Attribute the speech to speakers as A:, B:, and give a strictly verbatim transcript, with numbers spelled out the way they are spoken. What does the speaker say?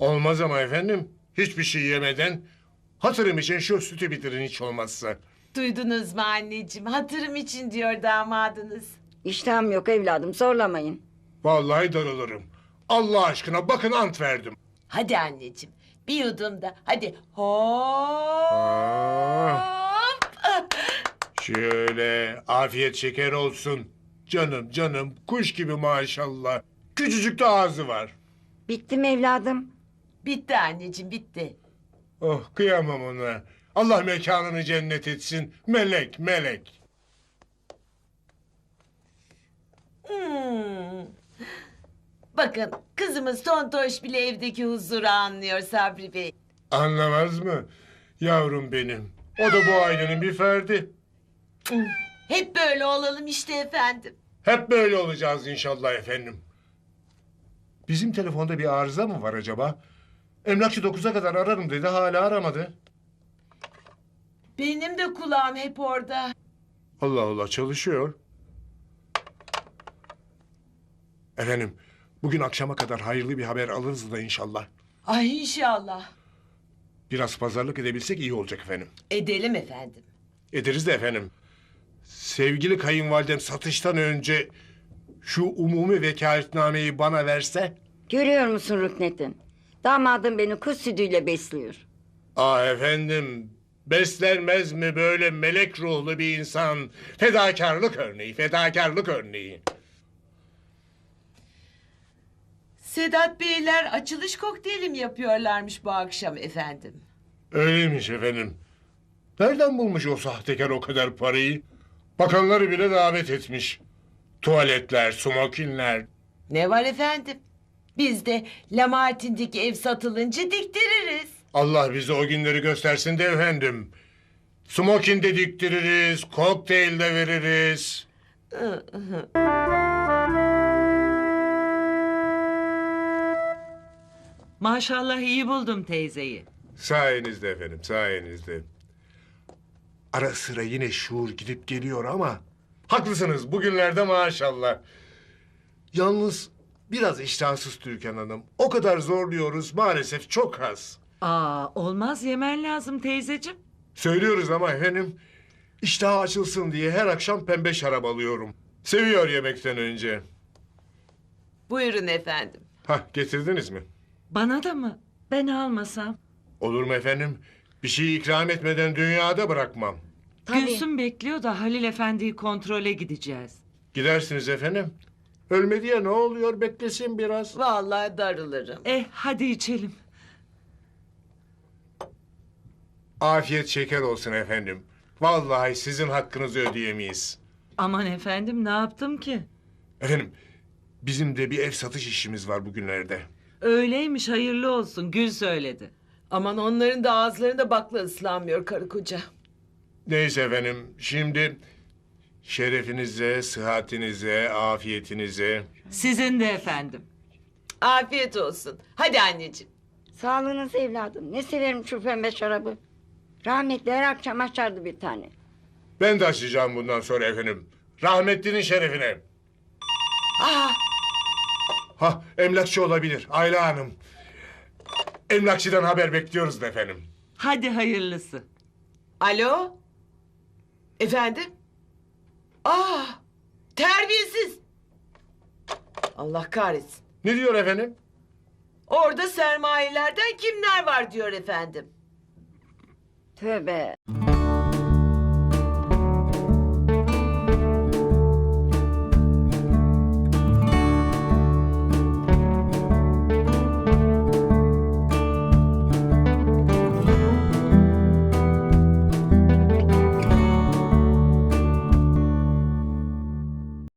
A: Olmaz ama efendim. Hiçbir şey yemeden hatırım için şu sütü bitirin hiç olmazsa.
B: Duydunuz mu anneciğim? Hatırım için diyor damadınız.
C: İştahım yok evladım, zorlamayın.
A: Vallahi darılırım. Allah aşkına bakın ant verdim.
B: Hadi anneciğim. Bir yudum da. Hadi. Hop.
A: Aa, şöyle afiyet şeker olsun. Canım canım kuş gibi maşallah. Küçücük de ağzı var.
C: Bitti mi evladım?
B: Bitti anneciğim, bitti.
A: Oh kıyamam ona. Allah mekanını cennet etsin. Melek melek.
B: Hmm. Bakın kızımız Tontoş bile evdeki huzuru anlıyor Sabri Bey.
A: Anlamaz mı? Yavrum benim. O da bu ailenin bir ferdi.
B: Hep böyle olalım işte efendim.
A: Hep böyle olacağız inşallah efendim. Bizim telefonda bir arıza mı var acaba? Emlakçı dokuza kadar ararım dedi, hala aramadı.
B: Benim de kulağım hep orada.
A: Allah Allah, çalışıyor. Efendim, bugün akşama kadar hayırlı bir haber alırız da inşallah.
B: Ay inşallah.
A: Biraz pazarlık edebilsek iyi olacak efendim.
B: Edelim efendim.
A: Ederiz de efendim. Sevgili kayınvalidem satıştan önce şu umumi vekaletnameyi bana verse...
C: Görüyor musun Rüknettin? Damadım beni kuş sütüyle besliyor.
A: Ah efendim, beslenmez mi böyle melek ruhlu bir insan? Fedakarlık örneği, fedakarlık örneği.
B: Sedat Beyler açılış kokteyli mi yapıyorlarmış bu akşam efendim?
A: Öyleymiş efendim. Nereden bulmuş o sahtekar o kadar parayı? Bakanları bile davet etmiş. Tuvaletler, smokinler.
B: Ne var efendim? Biz de Lamartin'deki ev satılınca diktiririz.
A: Allah bize o günleri göstersin de efendim. Smokin de diktiririz, kokteyl de veririz.
D: Maşallah iyi buldum teyzeyi.
A: Sayenizde efendim, sayenizde. Ara sıra yine şuur gidip geliyor ama... Haklısınız, bugünlerde maşallah. Yalnız biraz iştahsız Türkan Hanım. O kadar zorluyoruz, maalesef çok az.
D: Aa, olmaz yemen lazım teyzeciğim.
A: Söylüyoruz ama efendim... ...iştahı açılsın diye her akşam pembe şarap alıyorum. Seviyor yemekten önce.
B: Buyurun efendim.
A: Hah, getirdiniz mi?
D: Bana da mı? Ben almasam.
A: Olur mu efendim? Bir şey ikram etmeden dünyada bırakmam.
C: Tabii.
D: Gülsüm bekliyor da Halil Efendi'yi kontrole gideceğiz.
A: Gidersiniz efendim. Ölmedi ya, ne oluyor, beklesin biraz.
B: Vallahi darılırım.
D: Eh hadi içelim.
A: Afiyet şeker olsun efendim. Vallahi sizin hakkınızı ödeyemeyiz.
D: Aman efendim ne yaptım ki?
A: Efendim, bizim de bir ev satış işimiz var bugünlerde.
D: Öyleymiş hayırlı olsun Gül söyledi.
B: Aman onların da ağızlarında bakla ıslanmıyor karı koca.
A: Neyse efendim, şimdi şerefinize, sıhhatinize, afiyetinize.
D: Sizin de efendim.
B: Afiyet olsun. Hadi anneciğim.
C: Sağlığınız evladım. Ne severim şu pembe şarabı. Rahmetli her akşam açardı bir tane.
A: Ben de açacağım bundan sonra efendim. Rahmetlinin şerefine.
B: Aa,
A: Ha, emlakçı olabilir Ayla Hanım. Emlakçıdan haber bekliyoruz da efendim.
D: Hadi hayırlısı.
B: alo? Efendim? Aa, terbiyesiz. Allah kahretsin.
A: Ne diyor efendim?
B: Orada sermayelerden kimler var diyor efendim.
C: Tövbe.